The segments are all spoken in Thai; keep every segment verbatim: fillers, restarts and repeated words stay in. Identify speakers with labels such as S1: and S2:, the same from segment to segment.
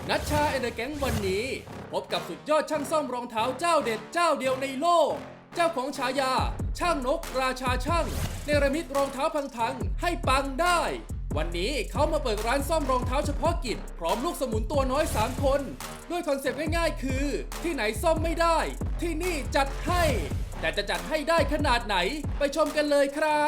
S1: นัชชาเอเดอร์แก๊งวันนี้พบกับสุดยอดช่างซ่อมรองเท้าเจ้าเด็ดเจ้าเดียวในโลก เจ้าของฉายาช่างนกราชาช่างเนรมิตรองเท้าพังๆให้ปังได้ วันนี้เขามาเปิดร้านซ่อมรองเท้าเฉพาะกิจพร้อมลูกสมุนตัวน้อยสามคนด้วยคอนเซปต์ง่ายๆคือที่ไหนซ่อมไม่ได้ที่นี่จัดให้แต่จะจัดให้ได้ขนาดไหนไปชมกันเลยครับ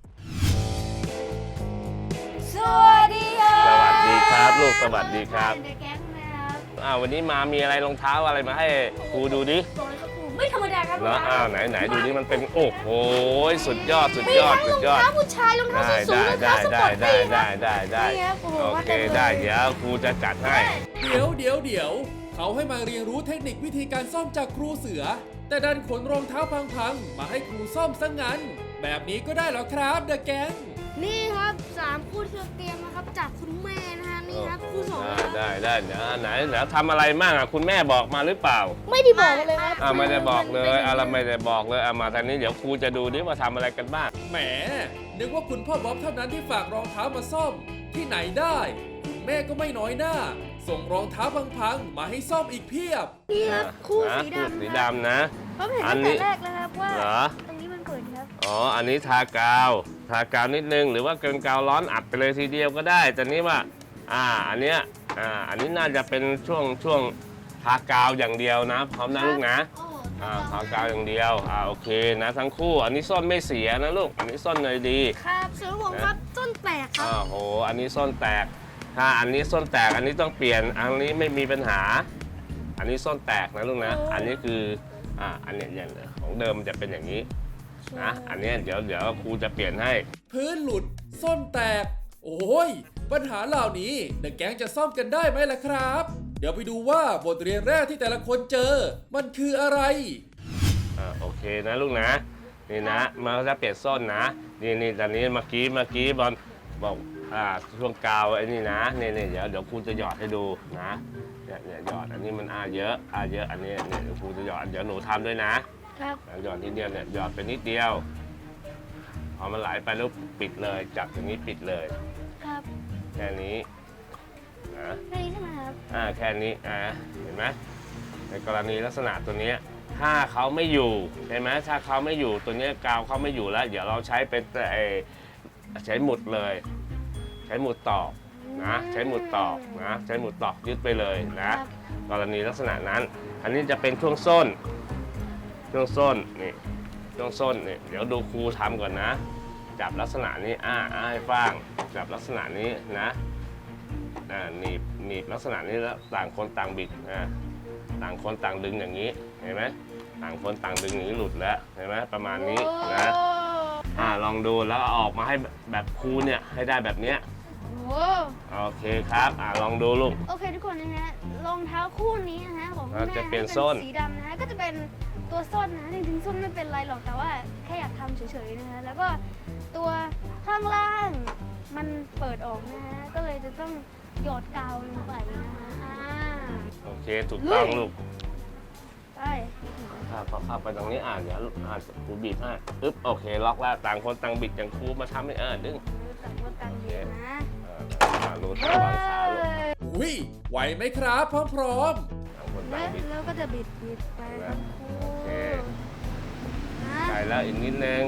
S2: สวัสดีครับ
S3: สวัสดีครับลูกสวัสดีครับ
S2: ในแก๊งนะครับ
S3: อ้าววันนี้มามีอะไรรองเท้าอะไรมาให้ครูดูดิ
S2: บอกเลยครับครูไม่ธรรมดาครับ
S3: เนาะอ้าวไหนไหนดูดิมันเป็นโอ้โหสุดยอดสุด
S2: มี
S3: ยอด
S2: ทั้ง
S3: สุ
S2: ร
S3: ด
S2: อง
S3: ยอด
S2: เท้าผู้ชายรองเท้า
S3: ได้
S2: สูง
S3: ได้
S2: รอง
S3: ได้
S2: เท้าสปอ
S3: ได้
S2: ร์ต
S3: ได้
S2: ตี้
S3: ได้ได้ได้
S2: นี่ครับโอ้โห
S3: โอ
S2: ว่า
S3: เค
S2: กันเลย
S3: ได้เดี๋ยวครูจะจัดให้
S1: เดี๋ยวเดี๋ยวเดี๋ยวเขาให้มาเรียนรู้เทคนิควิธีการซ่อมจากครูเสือ แต่ดันขนรองเท้าพังๆมาให้ครูซ่อมซะงั้น แบบนี้ก็ได้เหรอครับเดอะแก๊ง
S2: นี่ครับสามคู่ที่เราเตรียมนะครับจากคุณแม่นะฮะนี่ครับคู่สอง
S3: ได้
S2: นะครับ
S3: ได้ได้เดี๋ยวไหนเดี๋ยวทำอะไรมั่งอ่ะคุณแม่บอกมาหรือเปล่า
S2: ไม่ได้บอกเลยครับ
S3: อ่าไม่ได้บอกเลยอะไรไม่ได้บอกเลยอ่ะมาทางนี้เดี๋ยวครูจะดูดิว่าทำอะไรกันบ้าง
S1: แหมนึกว่าคุณพ่อบ๊อบเท่านั้นที่ฝากรองเท้ามาซ่อมที่ไหนได้คุณแม่ก็ไม่น้อยหน้า ส่งรองเท้าพังๆมาให้ซ่อมอีกเพียบ
S2: นี่ครับคู่
S3: นะ
S2: สี
S3: คู่
S2: ดำ
S3: สี
S2: ครับ
S3: ดำนะ
S2: ผมเห็น
S3: อั
S2: ตั้
S3: น
S2: ง
S3: นี้
S2: แต่แรกแล้วครับว่า
S3: เหรอ
S2: ตรงนี้มันเปิดครับ
S3: อ๋อ อันนี้ทากาว ทากาวนิดนึง หรือว่าเป็นกาวร้อนอัดไปเลยทีเดียวก็ได้ แต่นี้ว่า อ่า อันเนี้ย อ่า อันนี้น่าจะเป็นช่วงช่วงทากาวอย่างเดียวนะ พร้อมนะลูกนะ
S2: โอ้โห
S3: อ่า ทากาวอย่างเดียว อ่า โอเคนะทั้งคู่ อันนี้ส้นไม่เสียนะลูก อันนี้ส้นเลยดี
S2: ครับส่วนผมครับต้นแตกครั
S3: อ่า
S2: บ
S3: โห อันนี้ส้นแตก ถ้าอันนี้ส้นแตก อันนี้ต้องเปลี่ยน อันนี้ไม่มีปัญหา อันนี้ส้นแตกนะลูกนะ อันนี้คือ อ่า อันเนี้ยอย่างของเดิมมันจะเป็นอย่างนี้ นะ อันเนี้ยเดี๋ยวเดี๋ยวครูจะเปลี่ยนให้
S1: พื้นหลุดส้นแตก โอ้ย ปัญหาเหล่านี้เดอะแก๊งจะซ่อมกันได้ไหมล่ะครับ เดี๋ยวไปดูว่าบทเรียนแรกที่แต่ละคนเจอ มันคืออะไร
S3: อ่าโอเคนะลูกนะนี่นะมันก็จะเปลี่ยนส้นนะนี่นี่ตอนนี้เมื่อกี้เมื่อกี้บอลบอกอ่าช่วงกาวไอ้นี่นะนี่นี่เดี๋ยวเดี๋ยวครูจะหยอดให้ดูนะเนี่ยเนี่ยหยอดอันนี้มันอาเยอะอาเยอะอันนี้เนี่ยเดี๋ยวครูจะหยอดเดี๋ยวหนูทำด้วยนะครับ หยอดนิดเดียวเนี่ยหยอดไปนิดเดียวพอมันไหลไปแล้วปิดเลยจับตรงนี้ปิดเลย
S2: ครับ
S3: แค่นี้นะ
S2: แค่นี้ใช่ไหมครับ
S3: อ่าแค่นี้อ่าเห็นไหมในกรณีลักษณะตัวเนี้ยถ้าเขาไม่อยู่ใช่ไหมถ้าเขาไม่อยู่ตัวเนี้ยกาวเขาไม่อยู่แล้ว เดี๋ยวเราใช้เป็นไอ้ใช้หมุดเลย ใช้หมุดตอกนะใช้หมุดตอกนะใช้หมุดตอกยึดไปเลยนะกรณีลักษณะนั้น อันนี้จะเป็นช่วงส้น ช่วงส้นนี่ช่วงส้นนี่เดี๋ยวดูครูทำก่อนนะ จับลักษณะนี้อ่าอ่าให้ฟังจับลักษณะนี้นะอ่าหนีบหนีบลักษณะนี้แล้วต่างคนต่างบิดอ่าต่างคนต่างดึงอย่างนี้เห็นไหมต่างคนต่างดึงอย่างนี้หลุดแล้วเห็นไหมประมาณนี้นะอ่าลองดูแล้วเอาออกมาให้แบบครูเนี่ยให้ได้แบบเนี้ย
S2: โอ้โห
S3: โอเคครับอ่าลองดูลูก
S2: โอเคทุกคนนะฮะรองเท้าคู่นี้นะฮะของคุณ
S3: อ่า
S2: แม่
S3: จะเปลี่ยน
S2: ให้
S3: ส้น
S2: สีดำนะฮะก็จะเป็นตัวส้นนะจริงๆส้นไม่เป็นไรหรอกแต่ว่าแค่อยากทำเฉยๆนะฮะแล้วก็ตัวข้างล่างมันเปิดออกนะฮะก็เลยจะต้องหยอดกาวลงไปนะฮะอ่า
S3: โอเคถูกต้อง
S2: ลุย
S3: ลูก
S2: ไป
S3: ถ้าพอเข้าไปตรงนี้อ่าเดี๋ยวอ่าครูบีบให้ปึ๊บโอเคล็อกแล้วต่างคนต่างบิดอย่างครูมาทำให้เออดึง
S2: แต่ว่าการเรียนนะ
S3: อ่ารูดระวังขาลูก
S1: อุ้ย ไหวไหมครับพร้อม
S3: ต่างคน
S2: แล้
S3: ต่าง
S2: ว
S3: บิด
S2: แล้วก็จะบิดบิดไปทั้งคู่
S3: โอเค
S2: นะ
S3: ใส่แล้วอีกนิดนึง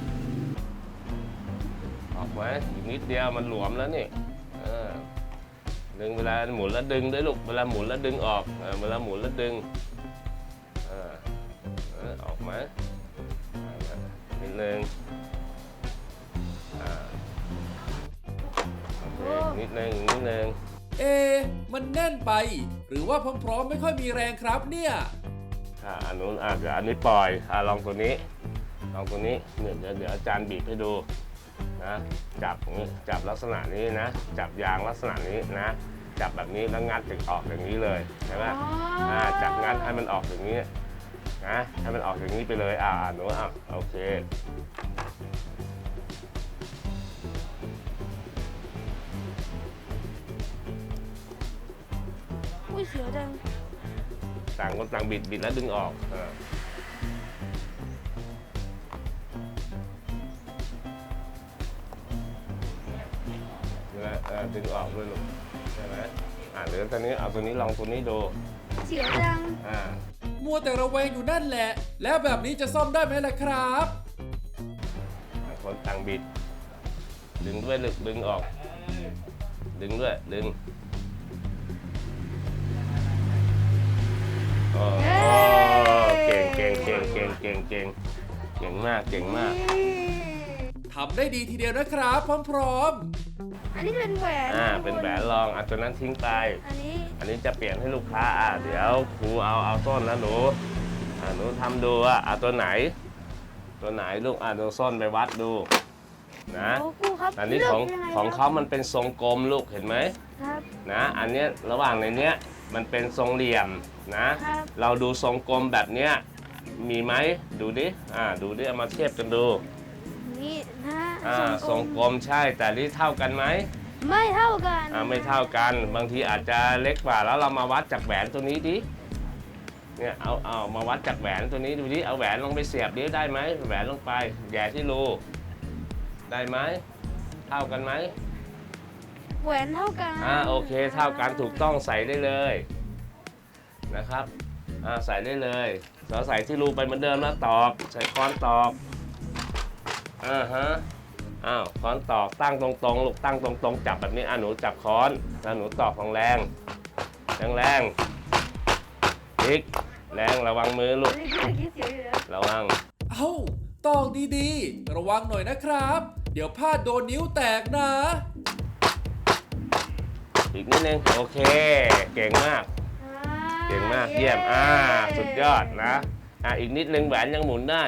S3: ออกไหมอีกนิดเดียวมันหลวมแล้วนี่เออดึงเวลาหมุนแล้วดึงด้วยลูกเวลาหมุนแล้วดึงออกเออเวลาหมุนแล้วดึงเออเออออกไหมอ่านิดนึงอ่าโอเคนิดนึงอีกนิดนึง
S1: ๆ เอะมันแน่นไป หรือว่าพร้อมๆไม่ค่อยมีแรงครับเนี่ย
S3: อ่าอันนู้นอ่าเดี๋ยวอันนี้ปล่อยอ่าลองตัวนี้ลองตัวนี้เดี๋ยวเดี๋ยวเดี๋ยวอาจารย์บีบให้ดูนะจับอย่างนี้จับลักษณะนี้นะจับยางลักษณะนี้นะจับแบบนี้แล้วงัดถึงออกอย่างนี้เลยใช่ไหมอ่าจับงัดให้มันออกอย่างนี้นะให้มันออกอย่างนี้ไปเลยอ่าหนูอ่ะโอเค
S2: อุ้ยเสียวจัง
S3: ต่างคนต่างบิดบิดแล้วดึงออกอ่าแล้วเอ่อดึงออกด้วยลูกใช่ไหมอ่าาเดี๋ยวตอนนี้เอาตัวนี้ลองตัวนี้ดู
S2: เสียวจัง
S3: อ่า
S1: มัวแต่ระแวงอยู่นั่นแหละ แล้วแบบนี้จะซ่อมได้ไหมล่ะครับ
S3: คนต่างบิด ดึงด้วยลึกดึงออก ดึงด้วยดึงโอ้โหเก่งเก่งเก่งเก่งเก่งเก่งเก่งมากเก่งมาก
S1: ทำได้ดีทีเดียวนะครับ พร้อม
S2: อันนี้เป็นแหวน
S3: อ่าเป็นแหวนรองอ่ะตัวนั้นทิ้งไป
S2: อันนี้
S3: อันนี้จะเปลี่ยนให้ลูกค้าอ่ะเดี๋ยวครูเอาเอาต้นแล้วหนูอ่าหนูทำดูว่าอ่ะตัวไหน ตัวไหนลูกอ่ะดูส้นไปวัดดูนะ
S2: โอ้ครูครับ
S3: อันนี้ของ
S2: ลืกยัไ
S3: ของเขามันเป็นทรงกลมลูกเห็นไหม
S2: ครับ
S3: นะอันเนี้ยระหว่างในเนี้ยมันเป็นทรงเหลี่ยมนะ
S2: ครับ
S3: เราดูทรงกลมแบบเนี้ยมีไหมดูดิอ่าดูดิเอามาเทียบกันดู
S2: นี่นะ
S3: อ่าทรงกลมใช่แต่นี่เท่ากันไหม
S2: ไม่เท่ากัน
S3: อ่าไม่เท่ากันบางทีอาจจะเล็กกว่าแล้วเรามาวัดจากแหวนตัวนี้ดิเนี่ยเอาเอามาวัดจากแหวนตัวนี้ดูดิเอาแหวนลงไปเสียบดิได้ไหมแหวนลงไปแหย่ที่รูได้ไหมเท่ากันไหม
S2: แหวนเท่ากัน
S3: อ่าโอเคเท่ากันถูกต้องใส่ได้เลยนะครับอ่าใส่ได้เลยเราใส่ที่รูไปเหมือนเดิมแล้วตอกใช้ค้อนตอกอ่าฮะอ้าวค้อนตอกตั้งตรงๆลูกตั้งตรงๆจับแบบนี้อ่ะหนูจับค้อนแล้วหนูตอกแรงแรงแรงๆอีกแรงระวังมือลูก
S2: นี่คือคิดเสียวอยู่แล้ว
S3: ระวัง
S1: ๆ เอ้าตอกดีๆ ระวังหน่อยนะครับ เดี๋ยวพลาดโดนนิ้วแตกนะ
S3: อีกนิดนึงโอเคเก่งมากเก่งมากเยี่ยมอ่าสุดยอดนะอ่ะอีกนิดนึงแหวนยังหมุนได้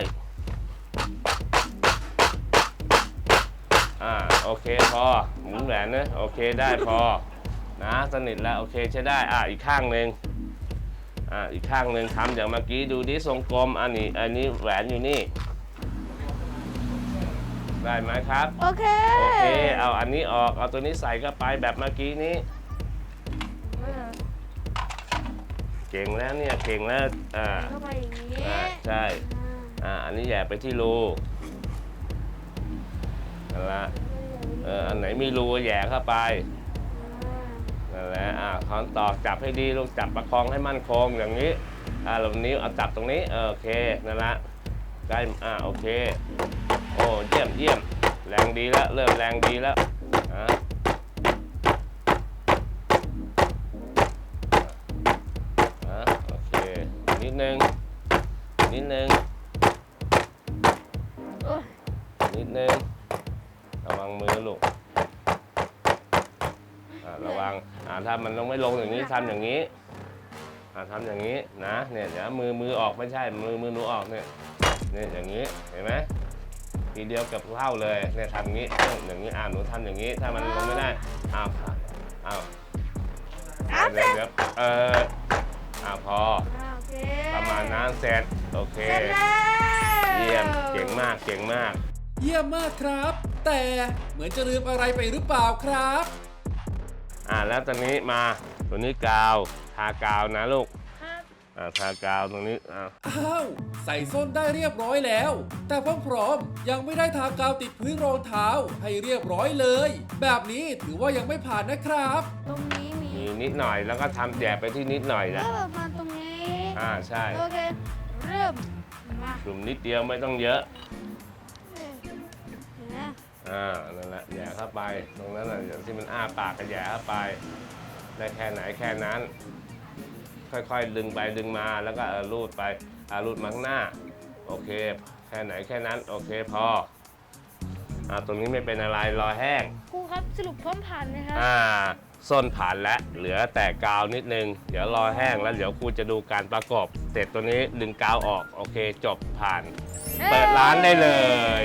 S3: อ่าโอเคพอหมุนแหวนนะโอเคได้พอนะสนิทแล้วโอเคใช้ได้อ่ะอีกข้างหนึ่งอ่าอีกข้างหนึ่งทำอย่างเมื่อกี้ดูดิทรงกลมอันนี้อันนี้แหวนอยู่นี่ได้ไหมครับ
S2: โอเค
S3: โอเคเอาอันนี้ออกเอาตัวนี้ใส่เข้าไปแบบเมื่อกี้นี้เก่งแล้วเนี่ยเก่งแล้วอ่า
S2: เข้าไปอย่างนี้
S3: อ่าใช่อ่าอันนี้แหย่ไปที่รูนั่นละเอออันไหนมีรูแหย่เข้าไปนั่นแหละอ่าค้อนตอกจับให้ดีลูกจับประคองให้มั่นคงอย่างนี้อ่าลงนิ้วเอาจับตรงนี้เออโอเคนั่นละได้อ่าโอเคโอ้เยี่ยมเยี่ยมแรงดีแล้วเริ่มแรงดีแล้วอ่าอ่าโอเคนิดนึงนิดนึง
S2: โอ้ย
S3: นิดนึงระวังมือลูกอ่าระวังอ่าถ้ามันลงไม่ลงอย่างนี้ทำอย่างนี้อ่าทำอย่างนี้นะเนี่ยเดี๋ยวมือมือออกไม่ใช่มือมือหนูออกเนี่ยเนี่ยอย่างนี้เห็นไหมทีเดียวกับเท่าเลยเนี่ยทำอย่างนี้อย่างนี้อ่าหนูทำอย่างนี้ถ้ามันลงไม่ได้อ้าวอ้าว
S2: อ้าวเส
S3: เดี๋
S2: ร็
S3: ยว
S2: จ
S3: เดี๋ยวเอออ่าพอ
S2: อ่าโอเค
S3: ประมาณนั้นเสร็จโอเค
S2: เสร็จแล้ว
S3: เยี่ยมเก่งมากเก่งมาก
S1: เยี่ยมมากครับ แต่เหมือนจะลืมอะไรไปหรือเปล่าครับ
S3: อ่าแล้วตอนนี้มาตัวนี้กาวทากาวนะลูก
S2: ครับ
S3: อ่าทากาวตรงนี้อ่า
S1: อ้าว ใส่ส้นได้เรียบร้อยแล้ว แต่พร้อมๆยังไม่ได้ทากาวติดพื้นรองเท้าให้เรียบร้อยเลย แบบนี้ถือว่ายังไม่ผ่านนะครับ
S2: ตรงนี้มี
S3: มีนิดหน่อยแล้วก็ทำแจกไปที่นิดหน่อย
S2: แล้
S3: นะ
S2: วประมาณตรงนี้
S3: อ่าใช่
S2: โอเคเริ่มมาก
S3: ลุ่มนิดเดียวไม่ต้องเยอะ
S2: เห็นไหม
S3: อ่านั่นแหละแหย่เข้าไปตรงนั้นน่ะอย่างที่มันอ้าปากก็แหย่เข้าไปได้แค่ไหนแค่นั้น ค่อยๆดึงไปดึงมาแล้วก็เออรูดไปอ่ารูดมาข้างหน้าโอเคแค่ไหนแค่นั้นโอเคพออ่าตรงนี้ไม่เป็นอะไรรอแห้ง
S2: ครูครับสรุปพร้อมผ่านไหมครับ
S3: อ่าส้นผ่านแล้วเหลือแต่กาวนิดนึงเดี๋ยวรอแห้งแล้วเดี๋ยวครูจะดูการประกอบเสร็จตัวนี้ดึงกาวออกโอเคจบผ่าน เปิดร้านได้เลย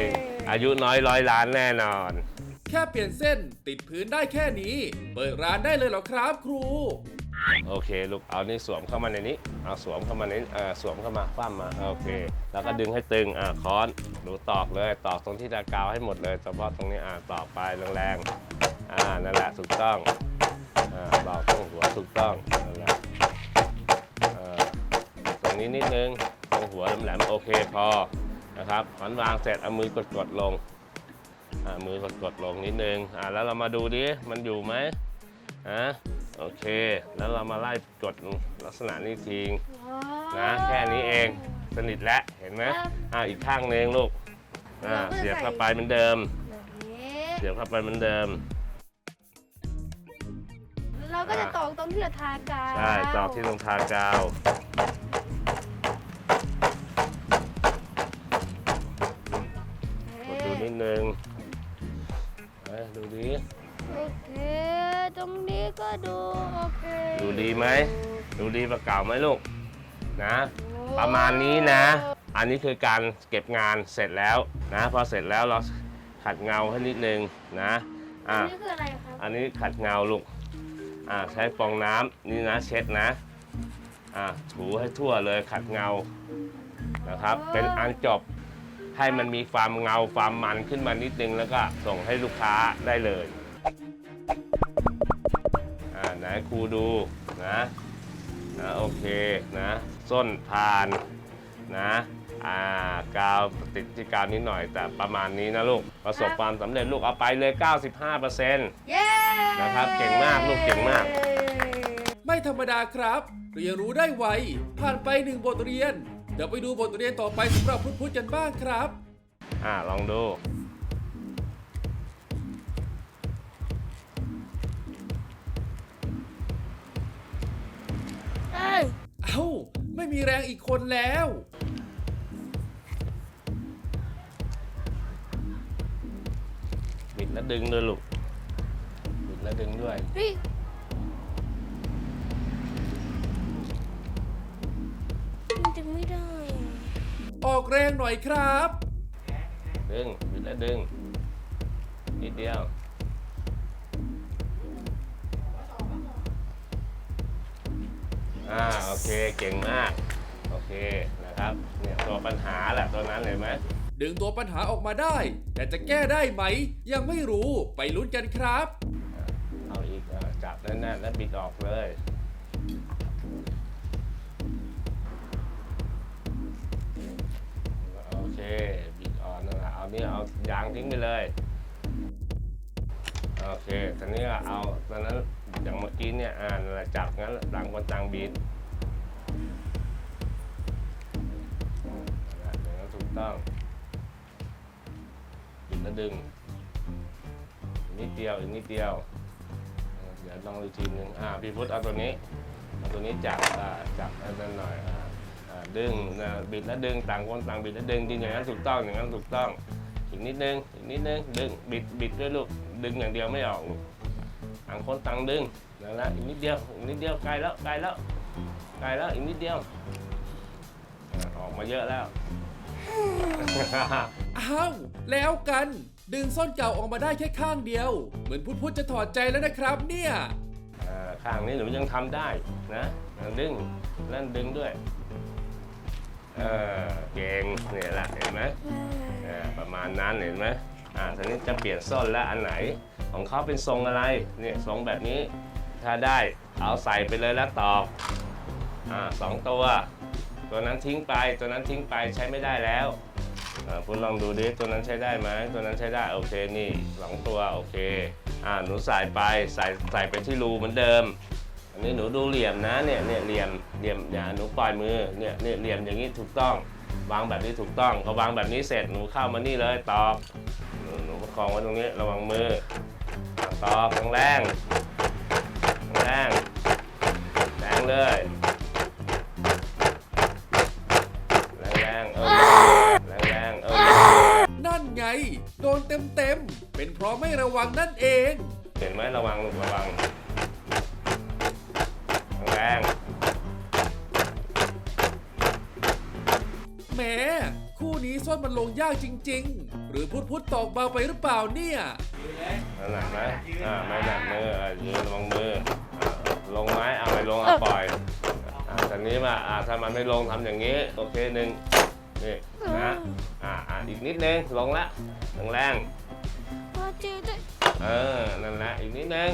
S3: อายุน้อยร้อยล้านแน่นอน
S1: แค่เปลี่ยนเส้นติดพื้นได้แค่นี้ เปิดร้านได้เลยเหรอครับครู
S3: โอเคลูกเอานี่สวมเข้ามาในนี้เอาสวมเข้ามาในนี้เออสวมเข้ามาคว่ำมาโอเค แล้วก็ดึงให้ตึงอ่าค้อนดูตอกเลยตอกตรงที่ตะกาวให้หมดเลยเฉพาะตรงนี้อ่าตอกไปแรงๆอ่านั่นแหละถูกต้องอ่าตอกตรงหัวถูกต้องนั่นแหละอ่าตรงนี้นิดนึงตรงหัวแหลมๆโอเคพอนะครับหอนวางเสร็จเอามือกดๆลงอ่ามือกดๆลงนิดนึงอ่าแล้วเรามาดูดิมันอยู่ไหมอ่าโอเค แล้วเรามาไล่กดลักษณะนี้ทิ้งนะแค่นี้เองสนิทแล้วเห็นไหมอ่าอีกข้างหนึงลูกอ่าเสียบเข้าไปเหมือนเดิม
S2: แบบนี้
S3: เสียบเข้าไปเหมือนเดิม
S2: เราก็จะตอกตรงที่เราทากาว
S3: ใช่ตอกที่ตรงทากาวกดดูนิดนึงเอ้ยดูดี
S2: โอเคตรงนี้ก็ดูโอเค
S3: ดูดีไหมดูดีประเก่าไหมลูกนะประมาณนี้นะ อันนี้คือการเก็บงานเสร็จแล้วนะพอเสร็จแล้วเราขัดเงาให้นิดนึงนะอ่ะ
S2: อันนี้คืออะไรครับ
S3: อันนี้ขัดเงาลูกอ่ะใช้ฟองน้ำนี่นะเช็ดนะอ่ะถูให้ทั่วเลยขัดเงานะครับ เป็นอันจบให้มันมีความเงาความมันขึ้นมานิดนึงแล้วก็ส่งให้ลูกค้าได้เลยอ่าไหนครูดูนะนะโอเคนะส้นพานนะอ่ากาวติดที่กาวนิดหน่อยแต่ประมาณนี้นะลูกประสบความสำเร็จลูกเอาไปเลย เก้าสิบห้าเปอร์เซ็นต์
S2: เย้
S3: นะครับเก่งมากลูกเก่งมาก
S1: ไม่ธรรมดาครับเรียนรู้ได้ไวผ่านไปหนึ่งบทเรียน เดี๋ยวไปดูบทเรียนต่อไปสำหรับพุทธๆกันบ้างครับ
S3: อ่าลองดู
S2: เอ้ย
S1: เอ้า ไม่มีแรงอีกคนแล้ว
S3: บิดแล้วดึงด้วยลูกบิดแล้วดึงด้วย
S2: เฮ้ยมันจะไม่ได้อะ
S1: ออกแรงหน่อยครับ
S3: ดึงบิดแล้วดึงนิดเดียวอ่าโอเคเก่งมากโอเคนะครับเนี่ยตัวปัญหาแหละตัวนั้นเลยไหม
S1: ดึงตัวปัญหาออกมาได้ แต่จะแก้ได้ไหม ยังไม่รู้ไปลุ้นกันครับ
S3: เอาอีกอ่ะจับแน่นๆแล้วบิดออกเลยโอเคบิดออกนั่นแหละเอานี่เอายางทิ้งไปเลยโอเคตอนนี้ก็เอาตอนนั้นอย่างเมื่อกี้เนี่ยอ่านั่นแหละจับงั้นต่างคนต่างบิดนั่นแหละอย่างนั้นถูกต้องบิดแล้วดึงอีกนิดเดียวอีกนิดเดียวเดี๋ยวลองอีกทีหนึงอ่าพี่พุทธเอาตัวนี้เอาตัวนี้จับอ่าจับให้นั่นหน่อยอ่าอ่าดึงนะบิดแล้วดึงต่างคนต่างบิดแล้วดึงดึงอย่างนั้นถูกต้องอย่างนั้นถูกต้องอีกนิดนึงอีกนิดนึงดึงบิดบิดด้วยลูกดึงอย่างเดียวไม่ออกลูกต่างคนต่างดึงนั่นแหละอีกนิดเดียวอีกนิดเดียวใกล้แล้วใกล้แล้วใกล้แล้วอีกนิดเดียวอ่าออกมาเยอะแล้ว
S1: อ้าว แล้วกัน ดึงส้นเก่าออกมาได้แค่ข้างเดียว เหมือนพุทธๆจะถอดใจแล้วนะครับเนี่ย
S3: อ่าข้างนี้หนูยังทำได้นะดึงนั่นดึงด้วยเออเก่งเนี่ยแหละเห็นไหมอ่าประมาณนั้นเห็นไหมอ่าทีนี้จะเปลี่ยนส้นแล้วอันไหนของเขาเป็นทรงอะไรเนี่ยทรงแบบนี้ถ้าได้เอาใส่ไปเลยแล้วตอกอ่าสองตัวตัวนั้นทิ้งไปตัวนั้นทิ้งไปใช้ไม่ได้แล้วอ่าคุณลองดูดิตัวนั้นใช้ได้ไหมตัวนั้นใช้ได้โอเคนี่สองตัวโอเคอ่าหนูใส่ไปใส่ใส่ไปที่รูเหมือนเดิมอันนี้หนูดูเหลี่ยมนะเนี่ยเนี่ยเหลี่ยมเหลี่ยมอย่าหนูปล่อยมือเนี่ยเนี่ยเหลี่ยมอย่างนี้ถูกต้องวางแบบนี้ถูกต้องพอวางแบบนี้เสร็จหนูเข้ามานี่เลยตอกหนูหนูประคองไว้ตรงนี้ระวังมือตอกแรงแรงแรงเลยแรงๆเออแรงๆเออ
S1: นั่นไง โดนเต็มๆ เป็นเพราะไม่ระวังนั่นเอง
S3: เห็นไหมระวังลูกระวังแรง
S1: แหม คู่นี้ส้นมันลงยากจริงๆ หรือพุทธๆตอกเบาไปหรือเปล่าเนี่ย
S3: นั่นหนักไหมอ่าไม่หนักมืออ่ะยืนระวังมืออ่าลงไหมเอาไม่ลงเอาปล่อยอ่าตอนนี้มาอ่าถ้ามันไม่ลงทำอย่างนี้โอเคหนึ่งนี่นะอ่าอ่าอีกนิดนึงลงละแรง
S2: พอเจอได้
S3: ๆเออนั่นแหละอีกนิดนึง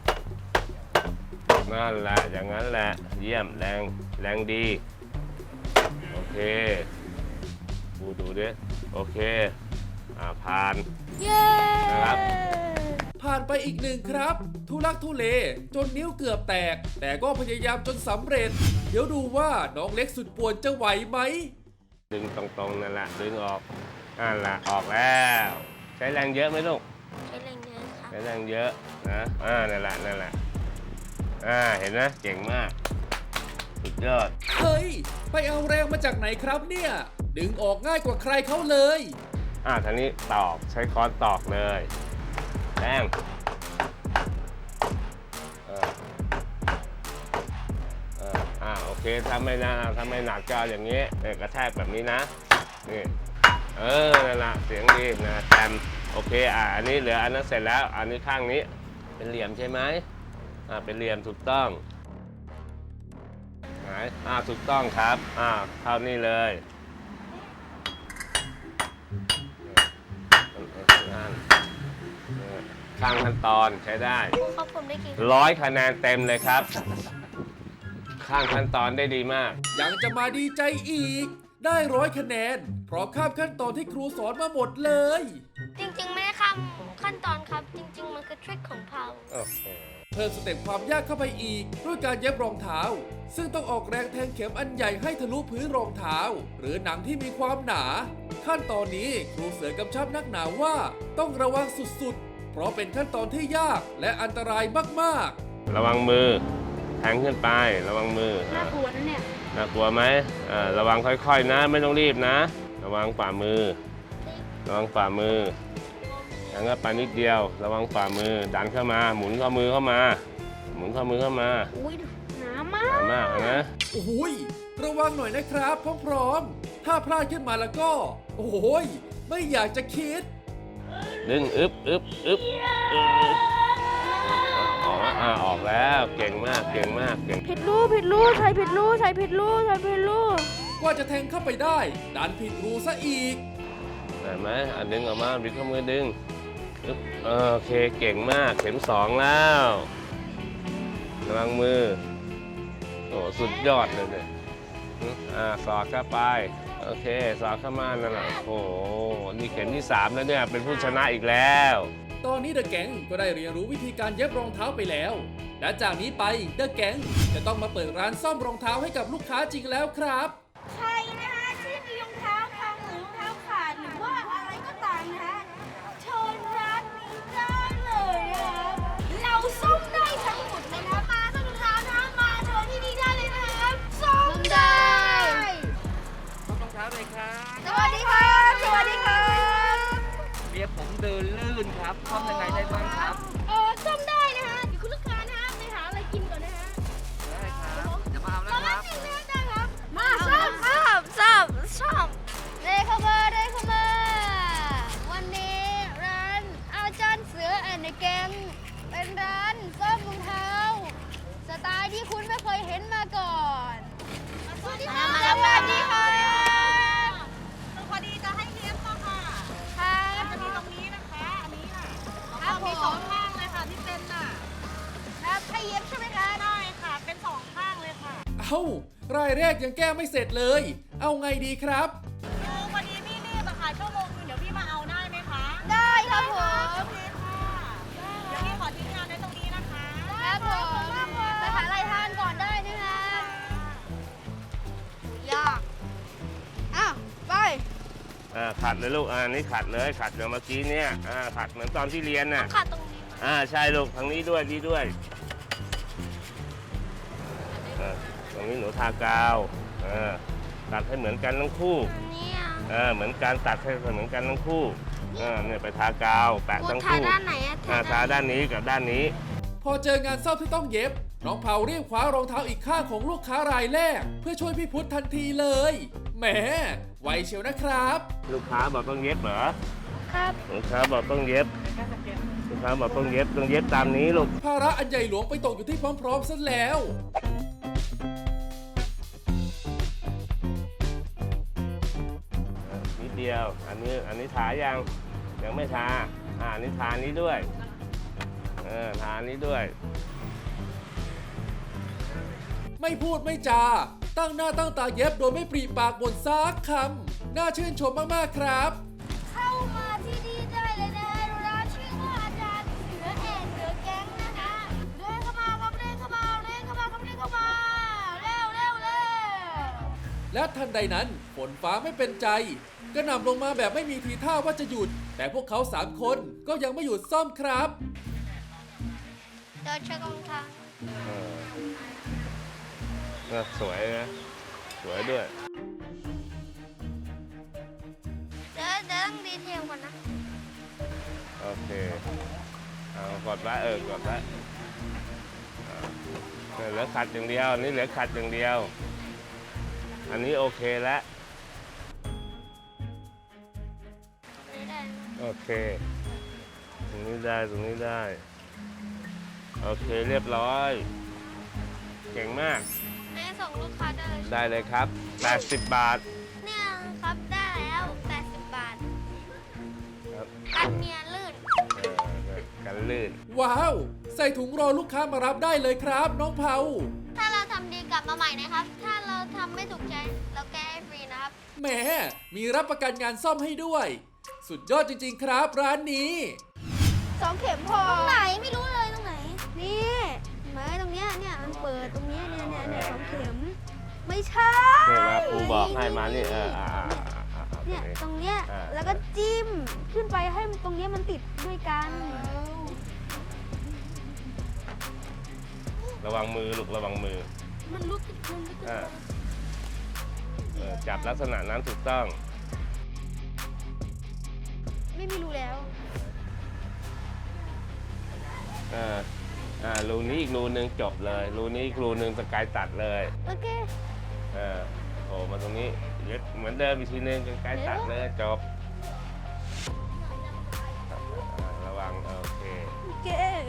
S3: นั่นแหละอย่างนั้นแหละเยี่ยมแรงแรงดีโอเคดูดูดิโอเคอ่าผ่าน
S2: เย้
S3: นะครับ
S1: ผ่านไปอีกหนึ่งครับ ทุลักทุเลจนนิ้วเกือบแตก แต่ก็พยายามจนสำเร็จ เดี๋ยวดูว่าน้องเล็กสุดป่วนจะไหวไหม
S3: ดึงตรงๆนั่นแหละดึงออกนั่นแหละออกแล้วใช้แรงเยอะไหมลูก
S4: ใช้แรงเยอะครับ
S3: ใช้แรงเยอะนะอ่านั่นแหละนั่นแหละอ่าเห็นไหมเก่งมากสุดยอด
S1: เฮ้ย ไปเอาแรงมาจากไหนครับเนี่ย ดึงออกง่ายกว่าใครเขาเลย
S3: อ่าทีนี้ตอกใช้ค้อนตอกเลยแรงเออเอออ่าโอเคถ้าไม่นะถ้าไม่หนักก็เอาอย่างนี้เนี่ยกระแทกแบบนี้นะนี่เออนั่นแหละเสียงดีนะแตมโอเคอ่าอันนี้เหลืออันนั้นเสร็จแล้วอันนี้ข้างนี้เป็นเหลี่ยมใช่ไหมอ่าเป็นเหลี่ยมถูกต้องไหนอ่าถูกต้องครับอ่าเท่านี้เลยข้างขั้นตอนใช้ได้
S4: ครูครับผมได้กี่
S3: ร้อยคะแนนเต็มเลยครับ ข้างขั้นตอนได้ดีมาก
S1: ยังจะมาดีใจอีก ได้ร้อยคะแนน เพราะข้ามขั้นตอนที่ครูสอนมาหมดเลย
S4: จริงๆ ไม่ได้ข้ามขั้นตอนครับ จริง ๆ มันคือทริคของเพา
S3: โอ้โห
S1: เพิ่มสเต็ปความยากเข้าไปอีก ด้วยการเย็บรองเท้า ซึ่งต้องออกแรงแทงเข็มอันใหญ่ให้ทะลุพื้นรองเท้า หรือหนังที่มีความหนา ขั้นตอนนี้ครูเสือกำชับนักหนาว่าต้องระวังสุดๆ เพราะเป็นขั้นตอนที่ยากและอันตรายมากๆ
S3: ระวังมือแทงขึ้นไประวังมือ
S2: น่า
S3: อ่ะ
S2: กลัวนะเนี่ย
S3: น่ากลัวไหมอ่าระวังค่อยๆนะ ไม่ต้องรีบนะ ระวังฝ่ามือ ระวังฝ่ามืออย่างนั้นไปนิดเดียว ระวังฝ่ามือ ดันเข้ามา หมุนข้อมือเข้ามา หมุนข้อมือเข้ามา
S2: อุ้ยหนามาก
S3: สามารถนะ
S1: โอ้ยระวังหน่อยนะครับพร้อมๆถ้าพลาดขึ้นมาแล้วก็ โอ้ยไม่อยากจะคิด
S3: ดึงอึบอึบอึบอึบออกแล้วอ่าออกแล้วเก่งมากเก่งมากเก่ง
S2: ผิดรูผิดรูใช้ผิดรูใช้ผิดรูใช้ผิดรู
S1: กว่าจะแทงเข้าไปได้ดันผิดรูซะอีก
S3: เห็นไหมอ่ะดึงออกมาบิดข้อมือดึงอึ๊บเออโอเคเก่งมากเข็มสองแล้วระวังมือโอ้สุดยอดเลยเนี่ยอืมอ่าสอดเข้าไปโอเคสอดเข้ามานั่นแหละโอ้โหนี่เข็มที่สามแล้วเนี่ยเป็นผู้ชนะอีกแล้ว
S1: ตอนนี้เดอะแก๊งก็ได้เรียนรู้วิธีการเย็บรองเท้าไปแล้ว และจากนี้ไปเดอะแก๊งจะต้องมาเปิดร้านซ่อมรองเท้าให้กับลูกค้าจริงแล้วครับ
S5: ใครนะคะที่มีรองเท้าพังหรือรองเท้าขาดหรือว่าอะไรก็ตามนะคะเชิญร้านนี้ได้เลยนะคะเราซ่อมได้ทั้งหมดเลยนะมาซ่อมรองเท้านะมาเชิญที่นี่ได้เลยนะคะซ่อมได้
S6: รองเท้าเลยครับ
S5: สวัสดีครับสวัสดีครับ
S6: เรียกผมเดินลื่นครับซ่อมยังไงได้บ้างครับ
S5: เออซ่อมได้นะคะเดี๋ยวคุณลูกค้านะคะไปหาอะไรกินก่อนนะคะ
S6: ได้ครับจะมาเอา
S5: ต
S6: แล้
S5: อ
S6: วน ค
S5: แร
S6: รั
S5: ก
S6: บ
S5: จริงนะได้ครับ
S2: มาซ่อมครับซ่อมซ่อม
S5: เดย์เข้ามาเดย์เข้ามาวันนี้ร้านอาจารย์เสือแอนด์แกงเป็นร้านซ่อมรองเท้า สไตล์ที่คุณไม่เคยเห็นมาก่อน สวัสดีค่ะสวัสดีค่ะพอดีจะให้เลี้ยงมาค่ะค่ะจะมีตรงนี้นะคะ อันนี้น่ะครับมีสองข้างเลยค่ะที่เป็นน่ะครับให้เย็บใช่ไหมคะได้ค่ะ เป็นสองข้างเลยค่ะ
S1: เอ้ารายแรกยังแก้ไม่เสร็จเลย เอาไงดีครับ
S5: เออวันนี้พี่รีบอะค่ะชั่วโมงนึงเดี๋ยวพี่มาเอาได้ไหมคะ ได้ครับผมโอเคค่ะเดี๋ยวพี่ขอทิ้งงานไว้ตรงนี้นะคะครับผมไปหาอะไรทานก่อนได้นะคะ
S2: ยากอ้าวไป
S3: อ่าขัดเลยลูกอ่านี่ขัดเลยขัดอย่างเมื่อกี้เนี่ยอ่าขัดเหมือนตอนที่เรียนน่ะ
S4: ขาดตรงนี้
S3: อ่าใช่ลูกทางนี้ด้วยนี่ด้วยอ่าตรงนี้หนูทากาวอ่าตัดให้เหมือนกันทั้งคู่
S4: เนี่ย
S3: อ่าเหมือนการตัดให้เหมือนกันทั้งคู่อ่าเนี่ยไปทากาวแปะ
S4: กู
S3: ทั้ง
S4: ทา
S3: คู่
S4: ด้านไหนอะ
S3: อ่าทาด้านนี้กับด้านนี้
S1: พอเจองานซ่อมที่ต้องเย็บ น้องเผารีบคว้ารองเท้าอีกข้างของลูกค้ารายแรก เพื่อช่วยพี่พุทธทันทีเลย แหมไวเชียวนะครับ
S3: ลูกค้าบอกต้องเย็บเหรอ
S2: ครับ
S3: ลูกค้าบอกต้องเย็บลูกค้าบอกต้องเย็บต้องเย็บตามนี้ลูก
S1: ภาระอันใหญ่หลวงไปตกอยู่ที่พร้อมๆซะแล้ว
S3: นิดเดียว อันนี้ อันนี้ทายัง ยังไม่ทา อ่าอันนี้ทานี้ด้วย เออ ทานี้ด้วย
S1: ไม่พูดไม่จา ตั้งหน้าตั้งตาเย็บโดยไม่ปรีปากบ่นซักคำ น่าชื่นชมมากๆครับ
S5: เข้ามาที่นี่ได้เลยนะคะร้านชื่อว่าอาจารย์เสือ
S1: และทันใดนั้นฝนฟ้าไม่เป็นใจกระหน่ำลงมาแบบไม่มีทีท่าว่าจะหยุด แต่พวกเขาสามคนก็ยังไม่หยุดซ่อมครับ
S4: เดินเช็ครองเท้า
S3: เออน่าสวยนะสวยด้วย
S4: เดี๋ยวเดี๋ยวต้องดีเทลก่อนนะ
S3: โอเคเอากดไว้เออกดไว้อ่าเหลือขัดอย่างเดียวนี่เหลือขัดอย่างเดียว อันนี้โอเคแล้ว
S4: นี่ได้นะ
S3: โอเค ตรงนี้ได้ตรงนี้ได้ โอเคเรียบร้อย เก่งมาก
S4: ให้ส่งลูกค้าได้เลย
S3: ได้เลยครับแปดสิบบาท
S4: เนี่ยครับได้แล้วแปดสิบบาท
S3: ครับ
S4: กันเนียลื่น
S3: เออกันลื่น
S1: ว้าว ใส่ถุงรอลูกค้ามารับได้เลยครับน้องเผา
S4: ถ้าเราทำดีกลับมาใหม่นะครับ ถ้าเราทำไม่ถูกใจเราแก้ให้ฟรีนะครับ
S1: แหมมีรับประกันงานซ่อมให้ด้วย สุดยอดจริงๆครับร้านนี้
S2: สองเข็มพอ
S4: ตรงไหนไม่รู้เลยตรงไหน
S2: นี่เห็นไหมตรงเนี้ยเนี่ยมันเปิดตรงเนี้ยเนี่ยเนี่ยเนี่ยสองเข็ม ไม่ใช่
S3: นี่มาครูบอกให้มานี่เอออ่าอ่าอ่าอ่า
S2: เนี่ยตรงเนี้ย
S3: อ่า
S2: แล้วก็จิ้มขึ้นไปให้มันตรงเนี้ยมันติดด้วยกัน
S3: ระวังมือลูกระวังมือ
S4: มันลุกมันลุก
S3: อ่าเออจับลักษณะนั้นถูกต้อง
S2: ไม่มีรูแล้ว
S3: อ่าอ่ารูนี้อีกรูหนึ่งจบเลยรูนี้อีกรูหนึ่งสกายตัดเลย
S2: โอเค
S3: เออโผล่มาตรงนี้ยึดเหมือนเดิมอีกทีหนึงสกายตัดเลยจบอ่าระวังโอเค
S2: โอเค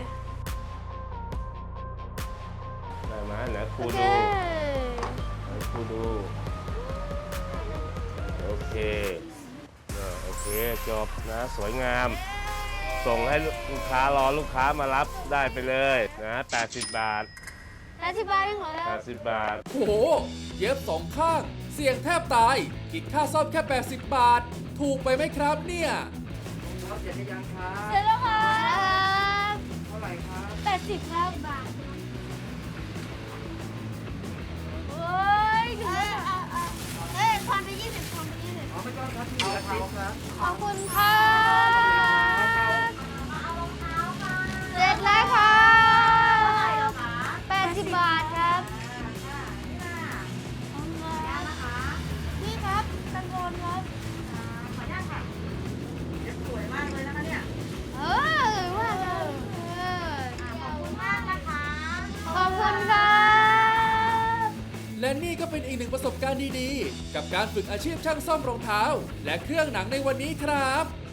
S3: ได้ไหมเดี๋ยวครู
S2: โอเค
S3: ดูเดี๋ยวครูดูโอเคเออโอเคจบนะสวยงาม ส่งให้ลูกค้ารอลูกค้ามารับได้ไปเลยนะแปดสิบบาท
S2: อธิบายยังเหรอแล้ว
S3: แปดสิบบาท
S1: โอ้โห เย็บสองข้าง เสี่ยงแทบตาย คิดค่าซ่อมแค่ แปดสิบบาท ถูกไปไหมครับเนี่ย
S6: ครับเสร็จหรือยังครับ
S2: เสร็จแล้วครับ
S6: เท่าไหร่ครับ
S2: แปดสิบครับบาทโอ้ยถึงแล้ว
S4: เอ้ยทอนไปยี่สิบทอนไปยี่สิบ
S6: อ๋อไม่ต้องครับที่เหลือเขาครับ
S2: ขอบคุณครับเสร็จแล้วครับแปดสิบบาทครับนี่ครับตังโกนครับ
S6: สวยมากเลยนะคะเนี่ย
S2: เออว่าเลย
S4: ขอบคุณมากนะคะ
S2: ขอบคุณครับ
S1: และนี่ก็เป็นอีกหนึ่งประสบการณ์ดีๆ กับการฝึกอาชีพช่างซ่อมรองเท้า และเครื่องหนังในวันนี้ครับ